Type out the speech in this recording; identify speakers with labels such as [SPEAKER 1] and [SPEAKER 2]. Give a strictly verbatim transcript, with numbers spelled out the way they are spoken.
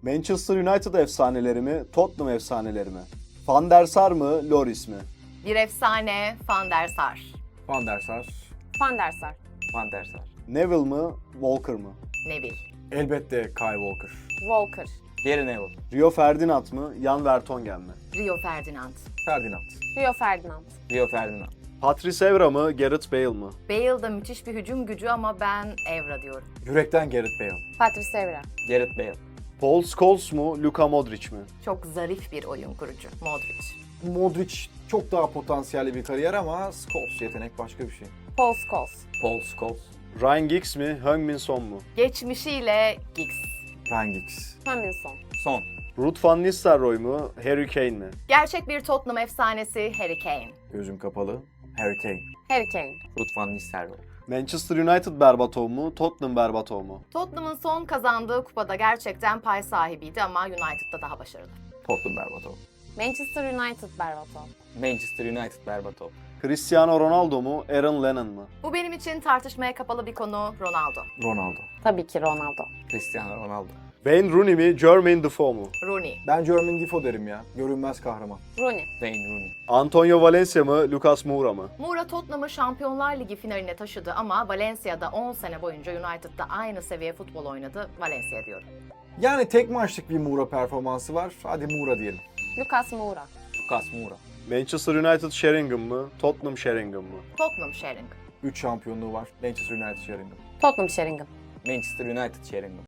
[SPEAKER 1] Manchester United efsaneleri mi, Tottenham efsaneleri mi? Van der Sar mı, Lloris mi?
[SPEAKER 2] Bir efsane Van der Sar.
[SPEAKER 3] Van der Sar.
[SPEAKER 4] Van der Sar.
[SPEAKER 5] Van der Sar.
[SPEAKER 1] Neville mı, Walker mı?
[SPEAKER 2] Neville.
[SPEAKER 3] Elbette Kyle Walker.
[SPEAKER 4] Walker.
[SPEAKER 5] Gary Neville.
[SPEAKER 1] Rio Ferdinand mı, Jan Vertonghen mi?
[SPEAKER 2] Rio Ferdinand.
[SPEAKER 3] Ferdinand.
[SPEAKER 4] Rio Ferdinand.
[SPEAKER 5] Rio Ferdinand.
[SPEAKER 1] Patrice Evra mı, Gareth Bale mı?
[SPEAKER 2] Bale da müthiş bir hücum gücü ama ben Evra diyorum.
[SPEAKER 3] Yürekten Gareth Bale.
[SPEAKER 4] Patrice Evra.
[SPEAKER 5] Gareth Bale.
[SPEAKER 1] Paul Scholes mu, Luka Modric mi?
[SPEAKER 2] Çok zarif bir oyun kurucu. Modric.
[SPEAKER 3] Modric çok daha potansiyelli bir kariyer ama Scholes yetenek başka bir şey.
[SPEAKER 4] Paul Scholes.
[SPEAKER 5] Paul Scholes.
[SPEAKER 1] Ryan Giggs mi, Heung-min Son mu?
[SPEAKER 2] Geçmişiyle Giggs.
[SPEAKER 3] Ryan Giggs.
[SPEAKER 4] Heung-min
[SPEAKER 5] Son.
[SPEAKER 1] Ruud van Nistelrooy mu, Harry Kane mi?
[SPEAKER 2] Gerçek bir Tottenham efsanesi Harry Kane.
[SPEAKER 3] Gözüm kapalı. Harry Kane.
[SPEAKER 4] Harry Kane.
[SPEAKER 5] Ruud van Nistelrooy.
[SPEAKER 1] Manchester United Berbatov mu, Tottenham Berbatov mu?
[SPEAKER 2] Tottenham'ın son kazandığı kupada gerçekten pay sahibiydi ama United'da daha başarılı.
[SPEAKER 5] Tottenham Berbatov.
[SPEAKER 4] Manchester United Berbatov.
[SPEAKER 5] Manchester United Berbatov.
[SPEAKER 1] Cristiano Ronaldo mu, Aaron Lennon mu?
[SPEAKER 2] Bu benim için tartışmaya kapalı bir konu Ronaldo.
[SPEAKER 3] Ronaldo.
[SPEAKER 4] Tabii ki Ronaldo.
[SPEAKER 5] Cristiano Ronaldo.
[SPEAKER 1] Wayne Rooney mi, Jermaine Defoe mu?
[SPEAKER 2] Rooney.
[SPEAKER 3] Ben Jermaine Defoe derim ya. Görünmez kahraman.
[SPEAKER 4] Rooney.
[SPEAKER 5] Wayne Rooney.
[SPEAKER 1] Antonio Valencia mı, Lucas Moura mı?
[SPEAKER 2] Moura Tottenham'ı Şampiyonlar Ligi finaline taşıdı ama Valencia'da on sene boyunca United'da aynı seviye futbol oynadı. Valencia diyorum.
[SPEAKER 3] Yani tek maçlık bir Moura performansı var. Hadi Moura diyelim.
[SPEAKER 4] Lucas Moura.
[SPEAKER 5] Lucas Moura.
[SPEAKER 1] Manchester United Sheringham mı, Tottenham Sheringham mı?
[SPEAKER 2] Tottenham Sheringham.
[SPEAKER 3] üç şampiyonluğu var. Manchester United Sheringham.
[SPEAKER 4] Tottenham Sheringham.
[SPEAKER 5] Manchester United Sheringham.